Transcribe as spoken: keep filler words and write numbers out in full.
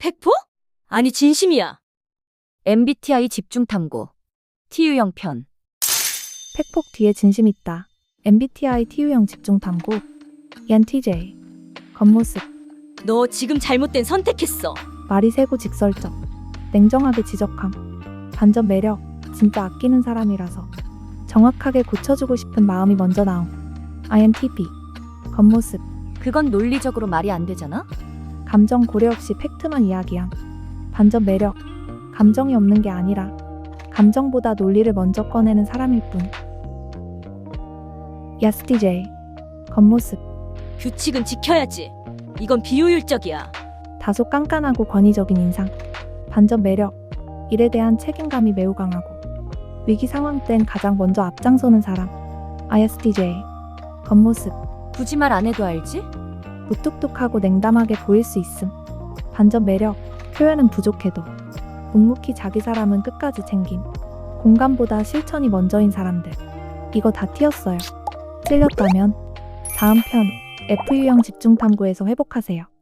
팩포? 아니 진심이야. 엠비티아이 집중탐구 티유형 편. 팩폭 뒤에 진심 있다. 엠비티아이 티유형 집중탐구 이엔티제이. 겉모습 너 지금 잘못된 선택했어. 말이 세고 직설적, 냉정하게 지적함. 반전 매력 진짜 아끼는 사람이라서 정확하게 고쳐주고 싶은 마음이 먼저 나옴. 아이엔티피. 겉모습 그건 논리적으로 말이 안 되잖아? 감정 고려 없이 팩트만 이야기함. 반전 매력 감정이 없는 게 아니라 감정보다 논리를 먼저 꺼내는 사람일 뿐. 이에스티제이. 겉모습 규칙은 지켜야지. 이건 비효율적이야. 다소 깐깐하고 권위적인 인상. 반전 매력 일에 대한 책임감이 매우 강하고 위기 상황 땐 가장 먼저 앞장서는 사람. 아이에스티제이. 겉모습 굳이 말 안 해도 알지? 무뚝뚝하고 냉담하게 보일 수 있음. 반전 매력 표현은 부족해도 묵묵히 자기 사람은 끝까지 챙김. 공감보다 실천이 먼저인 사람들. 이거 다 튀었어요. 찔렸다면 다음 편 에프유형 집중탐구에서 회복하세요.